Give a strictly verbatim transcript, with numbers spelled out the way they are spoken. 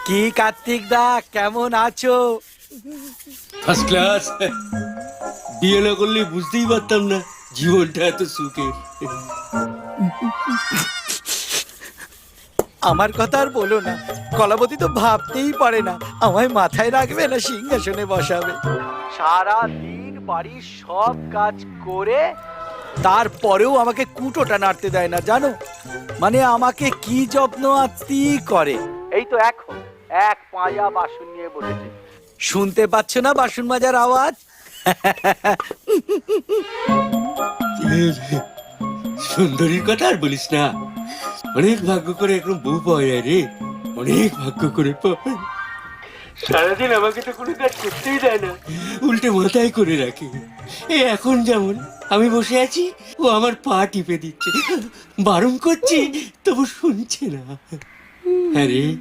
কি কার্তিক দা, কেমন আছো? First class. বিয়ে না করলে বুঝতেই পারতাম না জীবনটা এত সুখের। আমার কথা আর বলো না, কলাবতী তো ভাবতেই পারে না আমায় মাথায় রাখবে না সিংহাসনে বসাবে। সারা দিন বাড়ির সব কাজ করে তারপরেও আমাকে কুটোটা নাড়তে দেয় না, জানো? মানে আমাকে কি যত্ন আত্মি করে। এই তো এখন এক পায়া বাসন নিয়ে বসেছে, শুনতে পাচ্ছ না বাসন মাজার আওয়াজ? সুন্দরীর কথা আর বলিস না, অনেক ভাগ্য করে এখন বউ পাওয়া যায় রে, অনেক ভাগ্য করে পাওয়া। সারাদিন আমাকে তো কোনো কাজ করতেই দেয় না, উল্টে মাথায় করে রাখে। এই এখন যেমন আমি বসে আছি, ও আমার পা টিপে দিচ্ছে, বারণ করছি তবু শুনছে না। হ্যাঁ রে,